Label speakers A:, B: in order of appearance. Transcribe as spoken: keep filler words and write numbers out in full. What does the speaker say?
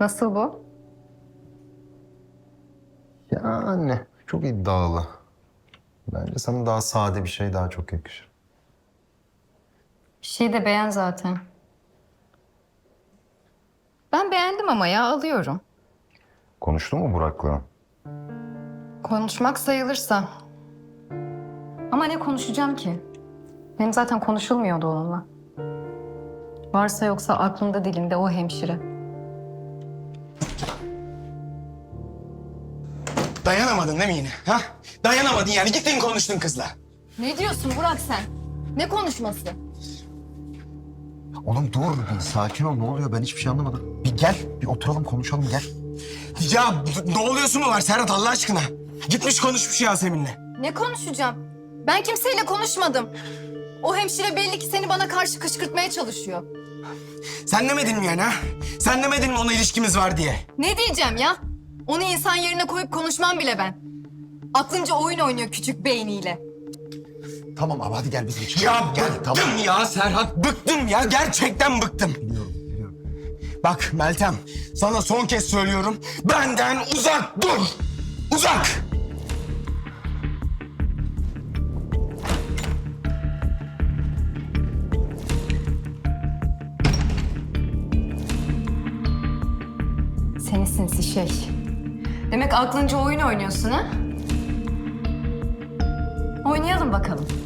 A: Nasıl bu?
B: Yani çok iddialı. Bence sana daha sade bir şey daha çok yakışır.
A: Bir şey de beğen zaten. Ben beğendim ama ya alıyorum.
B: Konuştun mu Burak'la?
A: Konuşmak sayılırsa. Ama ne konuşacağım ki? Benim zaten konuşulmuyordu onunla. Varsa yoksa aklımda dilinde o hemşire.
C: Dayanamadın değil mi yine? Ha? Dayanamadın yani. Gittin konuştun kızla.
A: Ne diyorsun Burak sen? Ne konuşması?
D: Oğlum dur bir sakin ol, ne oluyor, ben hiçbir şey anlamadım. Bir gel, bir oturalım konuşalım, gel.
C: Ya ne oluyorsun mu var Serhat Allah aşkına? Gitmiş konuşmuş Yasemin'le.
A: Ne konuşacağım? Ben kimseyle konuşmadım. O hemşire belli ki seni bana karşı kışkırtmaya çalışıyor.
C: Sen demedin mi yani ha? Sen demedin mi ona ilişkimiz var diye?
A: Ne diyeceğim ya? Onu insan yerine koyup konuşmam bile ben. Aklınca oyun oynuyor küçük beyniyle.
D: Tamam abi hadi gel biz geçelim.
C: Ya
D: gel,
C: bıktım
D: tamam.
C: ya Serhat. Bıktım ya. Gerçekten bıktım.
D: Biliyorum, biliyorum.
C: Bak Meltem, sana son kez söylüyorum. Benden uzak dur. Uzak.
A: Seni sinsi şey. Demek aklınca oyun oynuyorsun ha? Oynayalım bakalım.